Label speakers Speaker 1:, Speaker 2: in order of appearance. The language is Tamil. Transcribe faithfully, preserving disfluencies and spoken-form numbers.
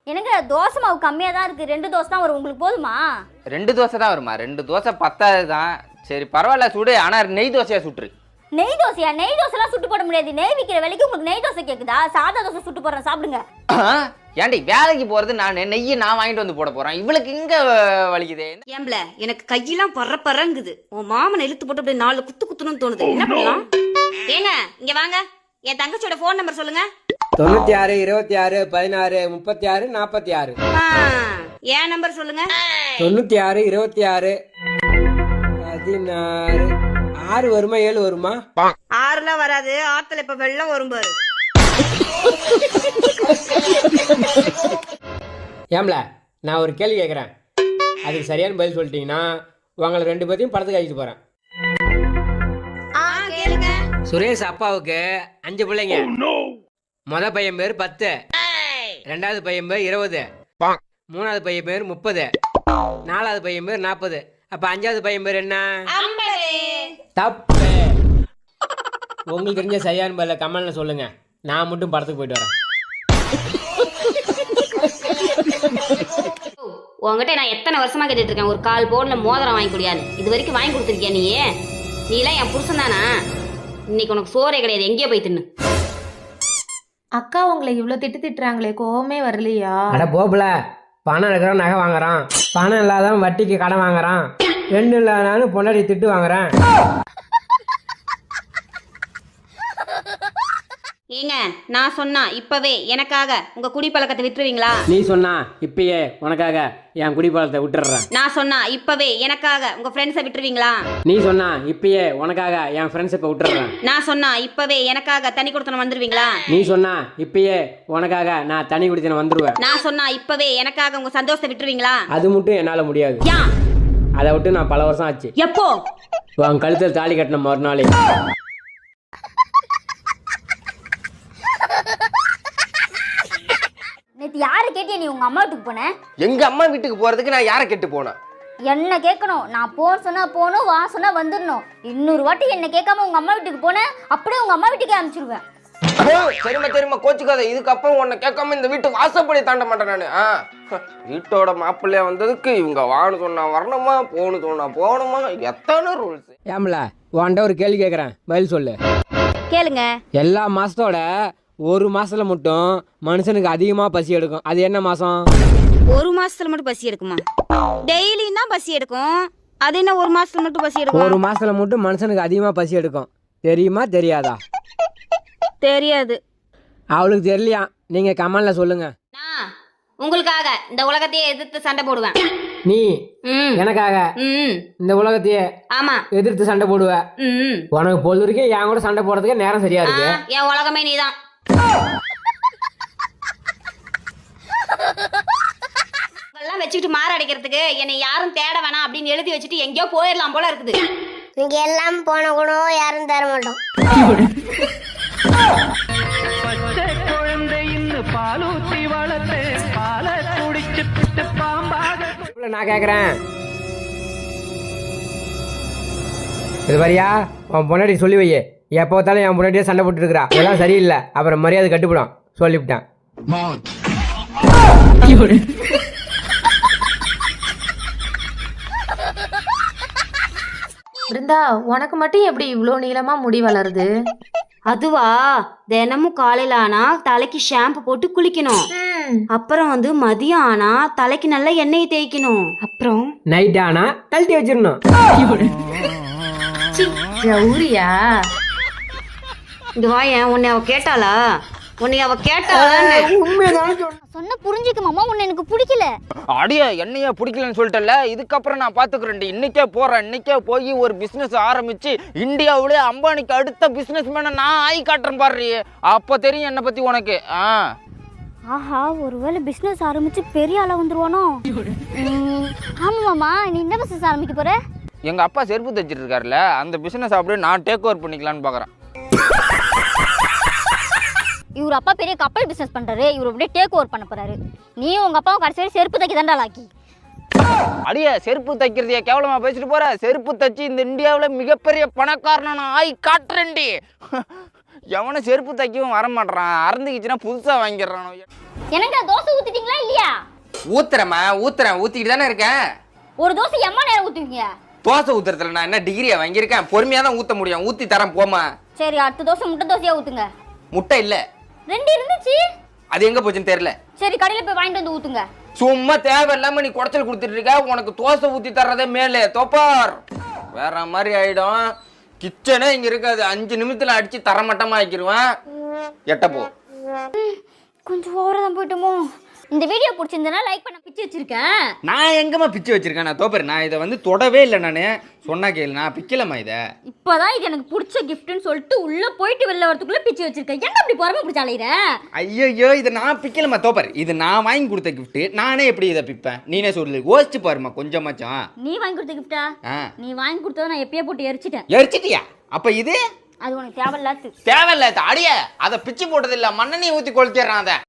Speaker 1: எனக்கு தோசை மாவு கம்மியாக தான் இருக்குது, ரெண்டு தோசை தான் வரும், உங்களுக்கு போதுமா?
Speaker 2: ரெண்டு தோசை தான் வருமா? ரெண்டு தோசை பத்தாது தான். சரி பரவாயில்ல சுடு, ஆனால் நெய் தோசையாக சுட்டுரு.
Speaker 1: நெய் தோசையா? நெய் தோசைலாம் சுட்டு போட முடியாது. நெய் விற்கிற விலைக்கு உங்களுக்கு நெய் தோசை கேட்குதா? சாதா தோசை சுட்டு போடுறேன், சாப்பிடுங்க.
Speaker 2: ஏன்டி வேலைக்கு போகிறது நான் நெய்யை நான் வாங்கிட்டு வந்து போட போகிறேன், இவளுக்கு இங்கே வலிக்குதே.
Speaker 3: ஏம்பல எனக்கு கையெல்லாம் பற பறங்குது. உன் மாமனை இழுத்து போட்டு அப்படியே நாலு குத்து குத்துணும்னு தோணுது. என்ன பண்ணலாம்? ஏங்க இங்க வாங்க, என் தங்கச்சியோட போன் நம்பர் சொல்லுங்க.
Speaker 4: தொண்ணூத்தி ஆறு இருபத்தி ஆறு பதினாறு முப்பத்தி ஆறு நாற்பத்தி ஆறு.
Speaker 3: என் நம்பர் சொல்லுங்க.
Speaker 4: தொண்ணூத்தி ஆறு இருபத்தி ஆறு பதினாறு. ஆறு வருமா ஏழு வருமா?
Speaker 3: ஆறுலாம் வராது, ஆத்துல இப்ப வெள்ளம் வரும் பாரு.
Speaker 4: ஏம்ல நான் ஒரு கேள்வி கேட்குறேன், அதுக்கு சரியான பதில் சொல்லிட்டீங்கன்னா உங்களை ரெண்டு பேர்த்தையும் படத்துக்கு அழைச்சிட்டு போறேன். சுரேஷ் அப்பாவுக்கு அஞ்சு பிள்ளைங்க. முத பையன் பேர் பத்து, ரெண்டாவது பையன் பேர் இருபது, மூணாவது பையன் பேர் முப்பது, நாலாவது பையன் பேர் நாற்பது. அப்ப அஞ்சாவது பையன் பேர் என்ன? தப்பு. உங்களுக்கு தெரிஞ்ச சரியான பதில கமெண்ட்ல சொல்லுங்க, நான் மட்டும் படத்துக்கு போயிட்டு வரேன்.
Speaker 3: உங்ககிட்ட நான் எத்தனை வருஷமா கேட்டுட்டு இருக்கேன், ஒரு கால் போன்ல மோதிரம் வாங்கி கொடுயாது. இது வரைக்கும் வாங்கி கொடுத்துருக்கியா நீ? நீ எல்லாம் என் புருஷன் தானா? இன்னைக்கு உனக்கு சோறே கிடையாது, எங்கேயோ போய் தின்னு.
Speaker 5: அக்கா உங்களை இவ்வளவு திட்டு திட்டுறாங்களே, கோவமே வரலையா?
Speaker 4: அட போகல, பணம் இருக்கிறவன் நகை வாங்குறான், பணம் இல்லாதவன் வட்டிக்கு கடன் வாங்குறான், ரெண்டு இல்லாதனாலும் பொண்டாடி திட்டு வாங்குறான்.
Speaker 3: ஏங்க நான் சொன்னா இப்பவே எனக்காக உங்க குடிப்பழக்கத்தை விட்டுருவீங்களா?
Speaker 4: நீ சொன்னா இப்பயே உனக்காக என் குடிப்பழத்தை விட்டுறேன்.
Speaker 3: நான் சொன்னா இப்பவே எனக்காக உங்க ஃப்ரெண்ட்ஸை விட்டுருவீங்களா?
Speaker 4: நீ சொன்னா இப்பயே உனக்காக என் ஃப்ரெண்ட்ஸ் இப்ப விட்டுறேன்.
Speaker 3: நான் சொன்னா இப்பவே எனக்காக தனி கொடுத்தன வந்துருவீங்களா?
Speaker 4: நீ சொன்னா இப்பயே உனக்காக நான் தனி குடித்தன வந்துருவேன்.
Speaker 3: நான் சொன்னா இப்பவே எனக்காக உங்க சந்தோஷத்தை விட்டுருவீங்களா?
Speaker 4: அது மட்டும் என்னால முடியாது.
Speaker 3: யா
Speaker 4: அதை விட்டு நான் பல வருஷம் ஆச்சு.
Speaker 3: எப்போ?
Speaker 4: உன் கழுத்தில் தாலி கட்டின மறுநாளே.
Speaker 1: நேற்று யாரை கேட்டியா நீ உங்க அம்மா வீட்டுக்கு போன?
Speaker 2: எங்க அம்மா வீட்டுக்கு போறதுக்கு நான் யாரை கேட்டு போனேன்?
Speaker 1: என்ன கேட்கணும்? நான் போன சொன்னா போகணும், வா சொன்னா வந்துடணும். இன்னொரு வாட்டி என்ன கேட்காம உங்க அம்மா வீட்டுக்கு போனேன், அப்படியே உங்க அம்மா வீட்டுக்கே அனுப்பிச்சிடுவேன்.
Speaker 2: சரிம்மா சரிம்மா கோச்சுக்காத, இதுக்கப்புறம் உன்னை கேட்காம இந்த வீட்டு வாசப்படி தாண்ட மாட்டேன் நானு. ஆ வீட்டோட மாப்பிள்ளையா வந்ததுக்கு இவங்க வான்னு சொன்னா வரணுமா, போன்னு சொன்னா போகணுமா, எத்தனை ரூல்ஸ்.
Speaker 4: ஏம்ல உன்கிட்ட ஒரு கேள்வி கேட்குறேன், பதில் சொல்லு.
Speaker 3: கேளுங்க.
Speaker 4: எல்லா மாசத்தோட ஒரு மாசத்துல மட்டும் மனுஷனுக்கு அதிகமா பசி எடுக்கும், அது என்ன மாசம்?
Speaker 3: ஒரு மாசத்துல மட்டும் பசி எடுக்குமா? டெய்லியும் தான் பசி எடுக்கும், அது என்ன ஒரு மாசத்துல மட்டும் பசி எடுக்கும்?
Speaker 4: ஒரு மாசத்துல மட்டும் மனுஷனுக்கு அதிகமா பசி எடுக்கும், தெரியுமா தெரியாதா?
Speaker 3: தெரியாது.
Speaker 4: அவளுக்கு தெரியலையா? நீங்க கமெண்ட்ல சொல்லுங்க.
Speaker 3: நான் உங்களுக்காக இந்த உலகத்தையே எதிர்த்து சண்டை போடுவேன்.
Speaker 4: நீ
Speaker 3: ம்
Speaker 4: எனக்காக
Speaker 3: ம்
Speaker 4: இந்த உலகத்தையே
Speaker 3: ஆமா
Speaker 4: எதிர்த்து சண்டை போடுவ.
Speaker 3: ம்
Speaker 4: உனக்கு பொழுது வரைக்கும் என் கூட சண்டை போடுறதுக்கு நேரம் சரியா இருக்கு.
Speaker 3: என் உலகமே நீதான். எல்லாம் வச்சுக்கிட்டு மாற அடிக்கிறதுக்கு என்னை யாரும் தேட வேணாம் அப்படின்னு எழுதி வச்சுட்டு எங்கேயோ போயிடலாம் போல இருக்குது.
Speaker 6: இங்க எல்லாம் போன கூட யாரும் தர மாட்டோம்.
Speaker 4: நான் கேக்குறேன், இது வரியா உன் பொண்டாட்டி சொல்லி வை, எப்போ பார்த்தாலும் என் பொண்டாட்டியே சண்டை போட்டு இருக்கிறா, இதெல்லாம் சரியில்லை, அப்புறம் மரியாதை கட்டுப்படும் சொல்லிவிட்டேன்.
Speaker 5: பிருந்தா உனக்கு மட்டும் எப்படி இவ்வளோ நீளமா முடி வளருது?
Speaker 3: அதுவா, தினமும் காலையில ஆனா தலைக்கு ஷாம்பு போட்டு குளிக்கணும், அப்புறம் வந்து மதியம் ஆனா தலைக்கு நல்லா எண்ணெய் தேய்க்கணும், அப்புறம்
Speaker 4: நைட் ஆனா கழட்டி வச்சிடணும்.
Speaker 5: கௌரியா
Speaker 3: இந்த வாயன் உன்னை அவ கேட்டாளா? உன்னை அவ கேட்டாளா?
Speaker 1: சொன்ன புரிஞ்சுக்க மாமா, உன்னை எனக்கு பிடிக்கல.
Speaker 2: அடியா என்னையா பிடிக்கலன்னு சொல்லிட்டல, இதுக்கப்புறம் நான் பாத்துக்கிறேன். இன்னைக்கே போறேன், இன்னைக்கே போய் ஒரு பிசினஸ் ஆரம்பிச்சு இந்தியாவிலே அம்பானிக்கு அடுத்த பிசினஸ் மேன நான் ஆகி காட்டுறேன் பாரு, அப்ப தெரியும் என்னை பத்தி உனக்கு. ஆ
Speaker 1: ஆஹா, ஒருவேளை பிசினஸ் ஆரம்பிச்சு பெரிய ஆளா வந்துருவானோ? ஆமா மாமா, நீ என்ன பிசினஸ் ஆரம்பிக்க போற?
Speaker 2: எங்க அப்பா செருப்பு தைச்சிட்டு இருக்காருல்ல, அந்த பிசினஸ் அப்படியே நான் டேக் ஓவர் பண்ணிக்கலான்னு பாக்குறேன்.
Speaker 1: இவர் அப்பா பெரிய கப்பல் பிசினஸ் பண்றாரு, இவர் அப்படியே டேக் ஓவர் பண்ண போறாரு. நீ உங்க அப்பாவும் கடைசி வரை செருப்பு தைக்க தாண்டா லாக்கி.
Speaker 2: அடியா செருப்பு தைக்கிறதையா கேவலமா பேசிட்டு போற? செருப்பு தைச்சு இந்த இந்தியாவில் மிகப்பெரிய பணக்காரனா நான் ஆகி காட்டுறேன்டி. எவனும் செருப்பு தைக்கவும் வர மாட்டான், அறந்துக்கிச்சுன்னா புதுசா வாங்கிடுறான்.
Speaker 1: எனக்கு தோசை ஊத்திட்டீங்களா இல்லையா?
Speaker 2: ஊத்துறேம்மா ஊத்துறேன் ஊத்திக்கிட்டு தானே இருக்கேன்.
Speaker 1: ஒரு தோசை எம்மா நேரம் ஊத்துவீங்க?
Speaker 2: தோசை ஊத்துறதுல நான் என்ன டிகிரியா வாங்கியிருக்கேன்? பொறுமையா தான் ஊத்த முடியும். ஊத்தி தரேன் போமா.
Speaker 1: சரி, அடுத்த தோசை முட்டை தோசையா ஊத்துங்க.
Speaker 2: முட்டை இல்ல.
Speaker 1: ரெண்டு இருந்துச்சு.
Speaker 2: அது எங்க போச்சுன்னு தெரியல.
Speaker 1: சரி, கடையில போய் வாங்கிட்டு வந்து ஊத்துங்க.
Speaker 2: சும்மா தேவையில்லாம நீ குடைச்சல் கொடுத்துட்டு இருக்க. உனக்கு தோசை ஊத்தி தர்றதே மேலே தோப்பார். வேற மாதிரி ஆயிடும். கிச்சனே இங்க இருக்காது. அஞ்சு நிமிஷத்துல அடிச்சு தரமட்டமா ஆக்கிடுவேன். எட்டப்போ
Speaker 1: கொஞ்சம் ஓவரா தான் போயிட்டோமோ. இந்த வீடியோ பிடிச்சிருந்தனா லைக் பண்ண பிச்சு வச்சிருக்கேன்.
Speaker 2: நான் எங்கம்மா பிச்சு வச்சிருக்கேன்? நான் தோப்பர் நான் இதை வந்து தொடவே இல்லை. நான் சொன்னா கேளு, நான் பிக்கலம்மா இதை.
Speaker 1: இப்பதான் இது எனக்கு பிடிச்ச கிஃப்ட்னு சொல்லிட்டு உள்ள போயிட்டு வெளில வரதுக்குள்ள பிச்சு வச்சிருக்கேன். என்ன அப்படி பொறுமை பிடிச்ச அலையிற?
Speaker 2: ஐயோ, இதை நான் பிக்கலம்மா தோப்பர். இது நான் வாங்கி கொடுத்த கிஃப்ட். நானே எப்படி இதை பிப்பேன்? நீனே சொல்லு, யோசிச்சு பாருமா கொஞ்சமாச்சும்.
Speaker 1: நீ வாங்கி கொடுத்த கிஃப்டா? நீ வாங்கி கொடுத்தத நான் எப்பயே போட்டு எரிச்சிட்டேன்.
Speaker 2: எரிச்சிட்டியா? அப்ப இது
Speaker 1: அது உனக்கு தேவையில்லாது.
Speaker 2: தேவையில்ல. அடிய அதை பிச்சு போட்டது இல்ல, மண்ணெண்ணெய் ஊத்தி கொளுத்திடுறான் அதை.